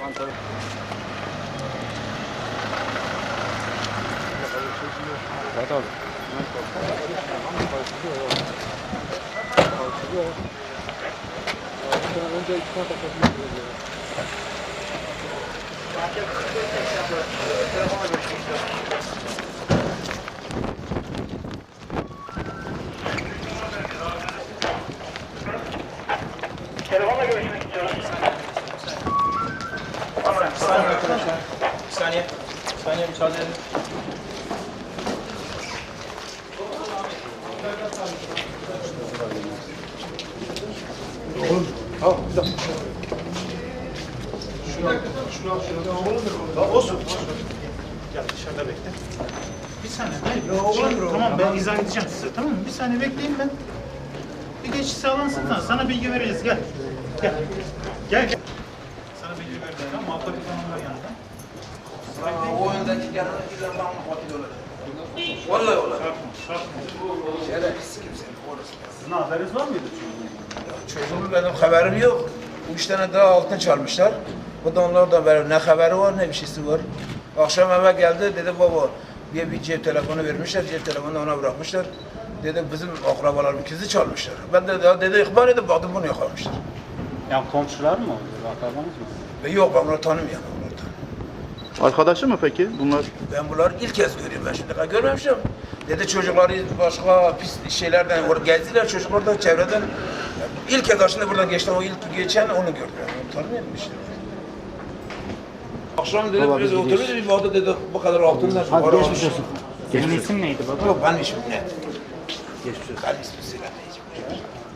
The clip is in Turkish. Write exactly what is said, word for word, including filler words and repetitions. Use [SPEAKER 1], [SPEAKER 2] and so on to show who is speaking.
[SPEAKER 1] Evet abi. Önce iki tane takasını yapıyoruz.
[SPEAKER 2] Telefonla görüşmek istiyorum.
[SPEAKER 3] Bir saniye arkadaşlar. Bir saniye. Bir saniye müsaade edin.
[SPEAKER 1] Oğlum, al bir dakika. Şuna, şuna, şuna. Oğlum da olsun.
[SPEAKER 3] Gel dışarıda bekle. Bir saniye. Hayır. Ya, tamam ben izah edeceğim size. Tamam mı? Bir saniye bekleyin ben. Bir geçiş sağlansın sana. Sana bilgi vereceğiz. Gel. Gel. Gel. Gel. Sana bilgi vereceğiz. Tamam. Muhakkak bir kanun var yanında.
[SPEAKER 4] O öndeki gelen illa bana muhatap olacak. Vallahi olacak. Şöyle pis kimsenin orası.
[SPEAKER 3] Sizin haberiniz var mıydı?
[SPEAKER 4] Çocuğumun benim haberim yok. Üç tane daha altın çalmışlar. Bu da onlar da ver. Ne haberi var ne bir şeysi var. Akşam eve geldi dedi baba diye bir cep telefonu vermişler. Cep telefonunu ona bırakmışlar. Dedi bizim akrabalarım ikizi çalmışlar. Ben de daha dedi ihbar edip baktım bunu yakalamışlar.
[SPEAKER 1] Yani komşular mı oluyor? Akrabanız mı?
[SPEAKER 4] Ve yok ben bunları tanımıyorum. Bunları tanımıyorum.
[SPEAKER 5] Arkadaşı mı peki bunlar?
[SPEAKER 4] Ben bunları ilk kez görüyorum. Ben şimdi kadar görmemişim. Dedi çocukları başka pis şeylerden or- gezdiler. Çocuklar da çevreden. İlk kez aslında buradan geçti. O ilk geçen onu gördüm. Yani onu tanımıyorum işte. Akşam dedi
[SPEAKER 5] Baba,
[SPEAKER 4] biz
[SPEAKER 5] biz
[SPEAKER 4] oturuyoruz bir baktı dedi bu kadar altından sonra.
[SPEAKER 1] Hadi geçmiş olsun. Senin isim neydi baba?
[SPEAKER 4] Yok benim ismim ne? Geçmiş olsun. Benim ismim Sinan Beyciğim.